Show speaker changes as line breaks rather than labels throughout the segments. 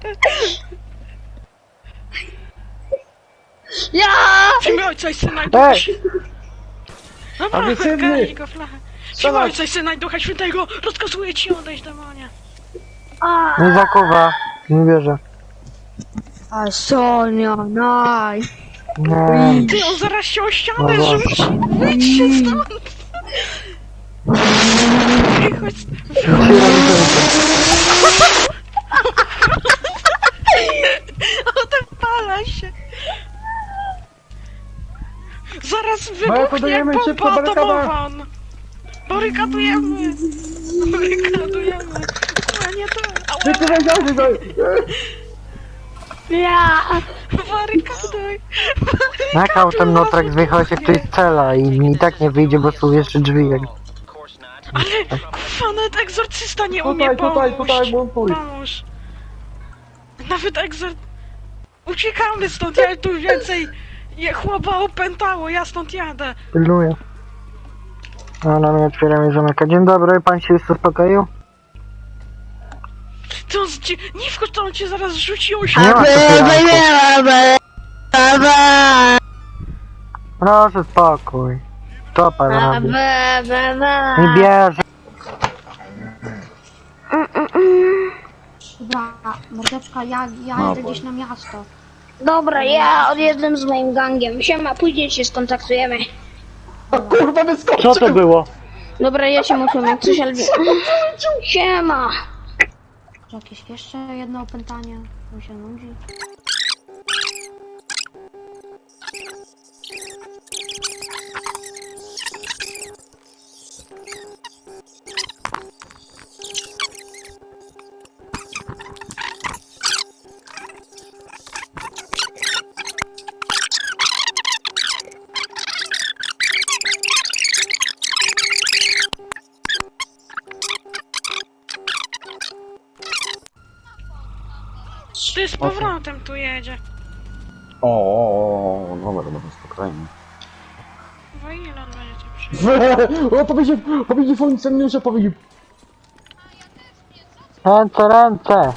Ja!
W imię Ojca i Syna i Ducha Świętego. Dobra,
Agresywny!
karaj go flachę. W imię Ojca i Syna i Ducha Świętego rozkazuję ci odejść, demonie.
Nie zakuwa, nie wierzę.
A Sonia, naj.
Nie.
Ty, on zaraz się o ścianę
No
rzuci. Wyjdźcie stąd. Ej, chodź. Odpala się. Zaraz wybuchnie
Barykadujemy, szybko,
bomba
barykada.
atomowa. Barykadujemy. Barykadujemy. A nie to.
Ty powiedziałeś, że...
Ja!
Barykaduj.
Jak autem Notrax wyjechał się ktoś z cela i tak nie wyjdzie, bo są jeszcze drzwi. Jak...
Ale kurwa, nawet egzorcysta nie umie
Tutaj,
pomóc.
montuj.
Pomóż. Nawet Uciekamy stąd, ja tu więcej... Chłopa opętało, ja stąd jadę.
Pilnuję. A na mnie otwieram i zamyka. Dzień dobry, pan się już uspokoił?
To on nie wchodź, to on cię zaraz rzuci o
Nie
ścianę.
ma otwieranku. Proszę spokój. Co pan robi? Nie bierze.
Dobra, mordeczka, ja jadę gdzieś na miasto.
Dobra, ja odjeżdżam z moim gangiem. Siema, później się skontaktujemy.
Kurwa, wyskoczył!
Co to było?
Dobra, ja się muszę jak coś albi. Siema!
Czy jakieś jeszcze jedno opętanie? Mi się nudzi.
Ty z powrotem tu jedzie.
O, dobra, spokojnie.
Bo ile on będzie tu przyjechał?
O, powiedział funkcjonariusze, powiedział.
Ręce.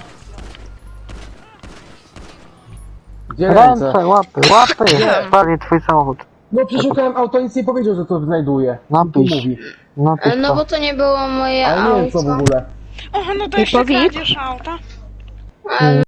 Gdzie
Ręce, łapy. Spali twój samochód.
No przeszukałem auto, nic nie powiedział, że to znajduje.
Napisz.
Tu mówi.
Napisz
No
to.
bo to nie było moje
Ale nie wiem co w
auto.
ogóle.
O, no to jeszcze
Powiedz.
kradzież auta.